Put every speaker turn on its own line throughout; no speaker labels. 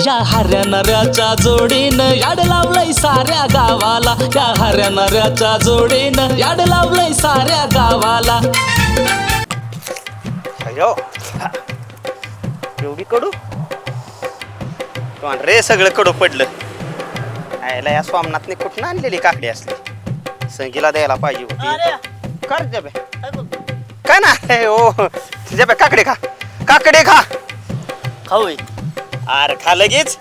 या हऱ्या नऱ्याच्या जोडीनं याड लावलंय साऱ्या गावाला, या हऱ्या नऱ्याच्या जोडीनं याड लावलंय साऱ्या गावाला.
अयो एवढी कडू रे, सगळं कडू पडलं. आयला या स्वामनाथने कुठून आणलेली काकडी असली, संगीला द्यायला पाहिजे होती. कर जबे काय ना ओ जबे, काकडे खा, काकडे खा.
खाऊ
अरे खा लगेच.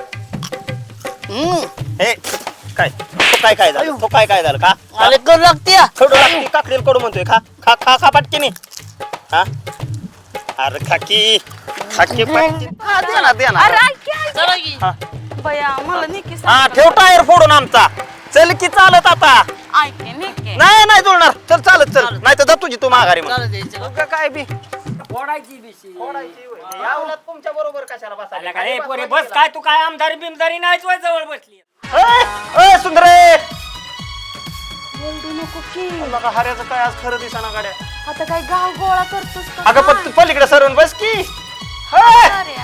हे काय तो काय झालं, तो काय झालं का?
अरे कडू लागते
कडू लागते, काकडीला कडू म्हणतोय. खा खा खा खा पटकीने. हा अरे खाकी खाकी पटकी. हा दे ना दे ना.
चला की.
बया मला निकी
हा ठेव टायर फोडून आमचा. चल की चालत आता.
ऐके निके
नाही नाही जुळणार. चल चालत चल, नाही तर जा तुझी तू माघारी मग.
चालत यायचं.
उगा काय बी
फोडायची बिशी
यावलं तुमच्या बरोबर कशाला बसायला?
काय पोरे बस काय तू काय आमदारी बिमदारी नाहीच वय जवळ बसली.
ए सुंदरे,
बोलू नको की.
लगा हऱ्याचं काय आज खरं दिसाना गाड्या.
आता काय गाव गोळा करतोस का?
अगं पण पलीकडे सरवून बस की.
अरे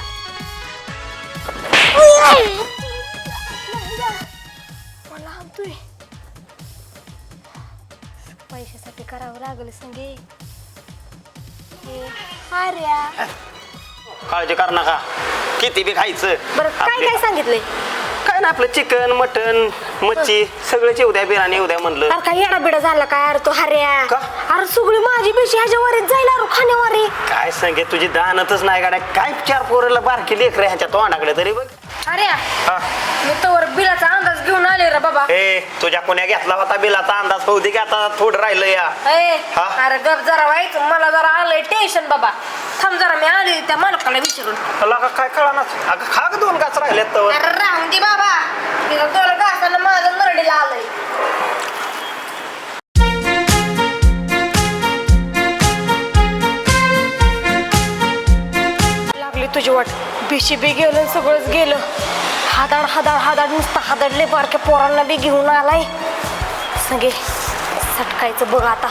मला आणतोय. पैशासाठी करावं लागलं संगे. अरे
काळजी कर नका, किती बी खायचं.
बरं काय काय सांगितलंय?
काय ना आपलं चिकन मटन मच्छी सगळंच येऊ द्या, बिर्याणी येऊ द्या म्हणलं.
अरे काय येडा बिडा झाला काय? अरे तो हऱ्या
का?
अरे सगळी माझी पेशी ह्याच्या वरीच जाईल. अरे खाण्यावारी
काय सांगे, तुझी दानतच नाही गाड्या. काय चार पोराला बारकी लेकर ह्याच्या तोंडाकडे तरी बघ.
अरे
हा.
मी तोवर बिलाचा अंदाज घेऊन आले रे बाबा.
ए तुझ्या कोण्या घेतला होता बिलाचा अंदाज? होऊ दे की आता थोडं राहिलं या. हा?
अरे गप जरा व्हायचं, मला जरा आलंय टेन्शन बाबा. थांब जरा, मी आले त्या मालकाला विचारून.
तुला काय कळणार? अगं खा ग, 2 घास राहिलेत तर.
अरे राहून दे बाबा, तिथं 2 घासानं माझं नरडीला आलंय. लागली तुझी वाट. बिशी बी गेलं, सगळंच गेलं. हादाड हादाड हादाड नुसतं हादाडले. बारक्या पोरांना बी घेऊन आलाय. सगळे सटकायचं बघ आता.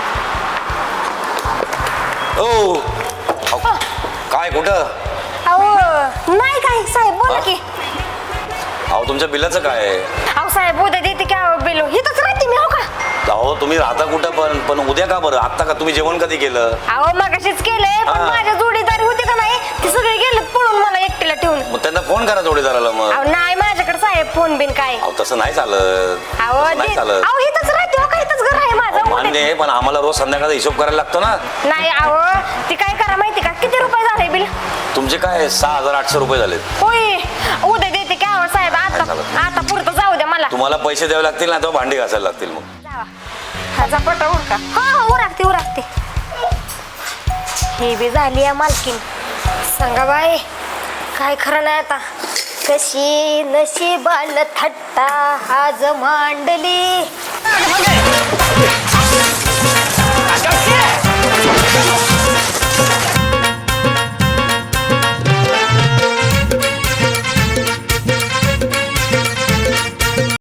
ओ काय कुठं?
अहो नाही काय साहेब, बोला की.
अहो तुमच्या बिलाचं काय?
अहो साहेब उद्या देते की. अहो बिलो इथंच राहते मी. हो का?
अहो तुम्ही राहता कुठं पण उद्या का बरं? आता का तुम्ही जेवण कधी केलं?
अहो मगाशीच केलंय, पण
हा.
माझ्या जोडीदारी होते का नाही, ते सगळे गेले पळून मला एकटीला ठेवून.
मग त्यांना फोन करा जोडीदाराला. मग
अहो नाही माझ्याकडे साहेब फोन बिन काय.
अहो तसं नाही चालत.
अहो
तसं नाही चालत.
अहो इथंच राहते. हो का? इथंच घर आहे माझं.
मान्य आहे, पण आम्हाला रोज संध्याकाळचा हिशोब करायला लागतो ना.
नाही अहो ती काय करा माहिती का, किती रुपये झाले बिल?
तुमचे काय 6800 रुपये झालेत.
होय उद्या देते की. अहो साहेब आता
चालत.
आता पुरतं जाऊ द्या मला.
तुम्हाला पैसे द्यावे लागतील ना, तेव्हा भांडी घासायला लागतील. मग
जावा. हा झपाटा उरका. हो हो उरकते उरकते. ही बी झाली आहे मालकीन. सांगा बाई काय खरं नाही आता. कशी नशिबान थट्टा आज मांडली.